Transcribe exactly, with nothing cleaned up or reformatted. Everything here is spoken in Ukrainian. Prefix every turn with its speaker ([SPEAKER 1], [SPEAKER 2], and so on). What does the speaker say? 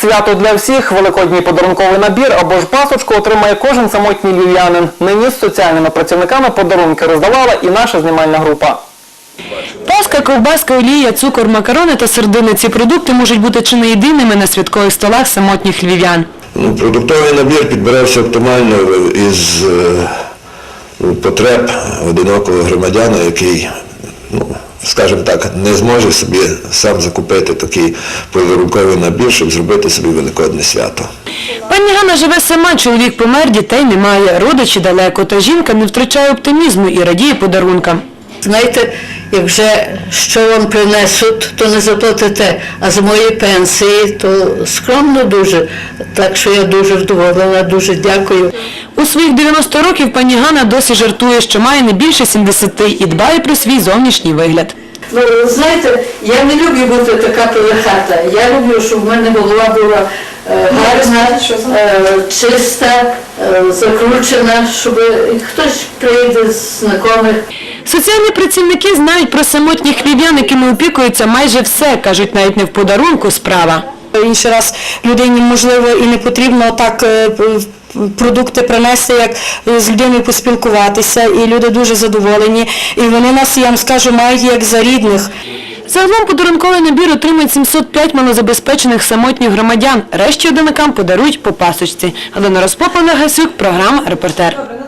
[SPEAKER 1] Свято для всіх, великодній подарунковий набір або ж пасочку отримає кожен самотній львів'янин. Нині з соціальними працівниками подарунки роздавала і наша знімальна група.
[SPEAKER 2] Паска, ковбаска, олія, цукор, макарони та сердини – ці продукти можуть бути чи не єдиними на святкових столах самотніх львів'ян.
[SPEAKER 3] Ну, продуктовий набір підбирався оптимально із е, потреб одинокого громадяна, який, ну, скажімо так, не зможе собі сам закупити такий подарунковий набір, щоб зробити собі великодне свято.
[SPEAKER 2] Пані Ганна живе сама, чоловік помер, дітей немає, родичі далеко, та жінка не втрачає оптимізму і радіє подарункам.
[SPEAKER 4] Знаєте, як вже що вам принесуть, то не заплатите, а з моєї пенсії, то скромно дуже. Так що я дуже вдоволена, дуже дякую.
[SPEAKER 2] У своїх дев'яносто років пані Ганна досі жартує, що має не більше сімдесяти і дбає про свій зовнішній вигляд.
[SPEAKER 4] Ну, знаєте, я не люблю бути така пилихата. Я люблю, щоб в мене голова була е, гарна, е, чиста, е, закручена, щоб хтось прийде з знайомих.
[SPEAKER 2] Соціальні працівники знають про самотніх львів'ян, якими опікуються майже все, кажуть, навіть не в подарунку справа.
[SPEAKER 5] Інший раз людині, можливо, і не потрібно так продукти принести, як з людиною поспілкуватися, і люди дуже задоволені. І вони нас, я вам скажу, мають як за рідних.
[SPEAKER 2] Загалом подарунковий набір отримають сімсот п'ять малозабезпечених самотніх громадян. Решті одинакам подарують по пасочці. Галина Розпопова, Гасюк, програма «Репортер».